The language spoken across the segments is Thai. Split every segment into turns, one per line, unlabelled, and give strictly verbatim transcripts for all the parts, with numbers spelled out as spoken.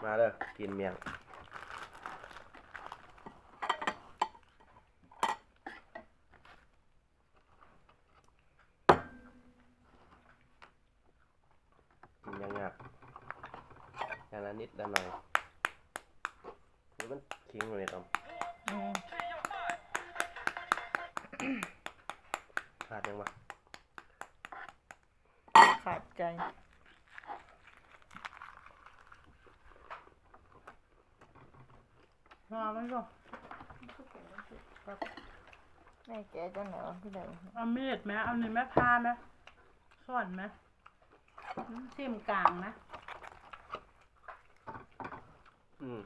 มาเด้อกินเมียงกินยังไงอย่างละนิดละหน่อยหรือมันทิ้งเลยตอมขาดยังวะ
ขาดใจ
มาไหมก็
แม่แกจะไหนวะพี่เด๋อ
เอามีดไหมเอาหนึ่งแม่พาไหมส่วนไหมซิมกลางนะ
อืม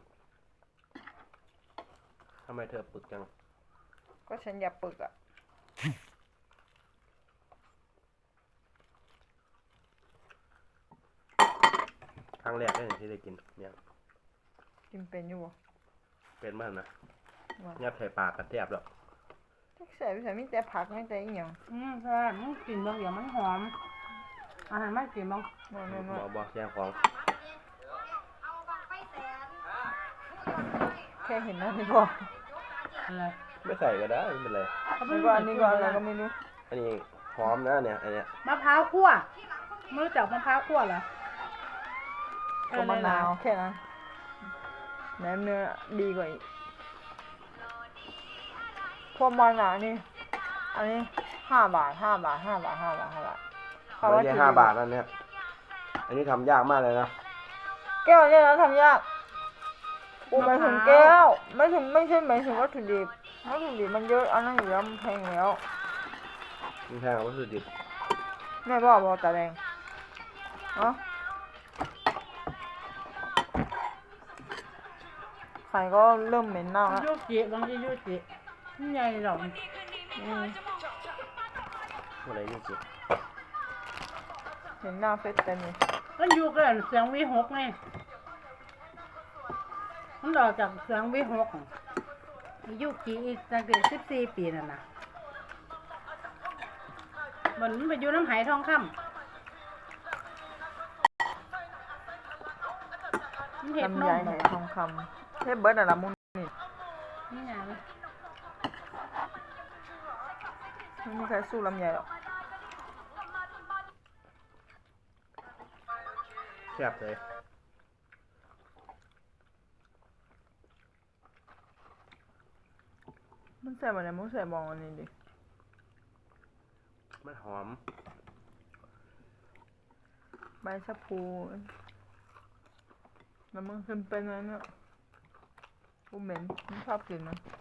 ทำไมเธอปึกจัง
ก็ฉันอยากปึกอ่ะ
ครั้งแรกเลยที่ได้กินเนี่ย
กินเป็นอยู่บ่
เป็นมากนะยัดใส่ปากกระแทบแล้ว
ใส่ใส่ไม่แต่ผักไม่แต่อีหยัง
อืมใช่มันกลิ่นบางอย่างมันหอมอาหารไม่กลิ่นบาง
บอบอกแย่งของ
แค่เห็นนั่นนี่พอ
อะไร
ไม่ใส่ก็ได้ไม่เป็นไร
นี่ก็อันนี้ก็อะไรก็ไม่รู้
อันนี้หอมนะเนี่ยอันเนี้ย
มะพร้าวคั่วไม่รู้จักมะพร้าวคั่วเหรอ
ก็มะนาวแค่นั้นแหนมเนื้อดีกว่าอีกพวกมันอ่ะนี่อันนี้ห้าบาทห้าบาทห้าบาทห้าบาทห้าบาท
ไม่ใช่ห้าบาทนั่นเนี่ยอันนี้ทำยากมากเลยนะ
แก้วเนี่ยนะทำยากกูหมายถึงแก้วไม่ถึงไม่ใช่หมายถึงวัตถุดิบวัตถุดิบมันเยอะอันนั้นอยู่แล้วมันแพงแล้ว
มันแพงกว่าวัตถุดิบ
แม่บอกบอกตาแดงเนาะไข่ก็เริ่มเหม็นเน่าแล้ว
ยูจิบางทียูจินี่ใหญ่หรอก
อืม
อะไรยูจิ
เห็นหน้าเฟซเต็มเลย
มันอยู่กันเสียงวีหกไงมันออกจากเสียงวีหกยูจิอีกตั้งแต่สิบสี่ปีนั่นนะมันไปอยู่น้ำไหทองคำ
ลำไยไหทองคำเทพเบิร์ดอะละมุนนี่
นี่ไง
ไม่มีใครสู้ลำไยหรอก
แซ่บเลย
มันใส่อะไรมันใส่บองอันนี้ดิ
มันหอม
ใบชะพูแล้วมันขึ้นเป็นอะไรเนี่ยกูเหม็นไม่ชอบกินนะ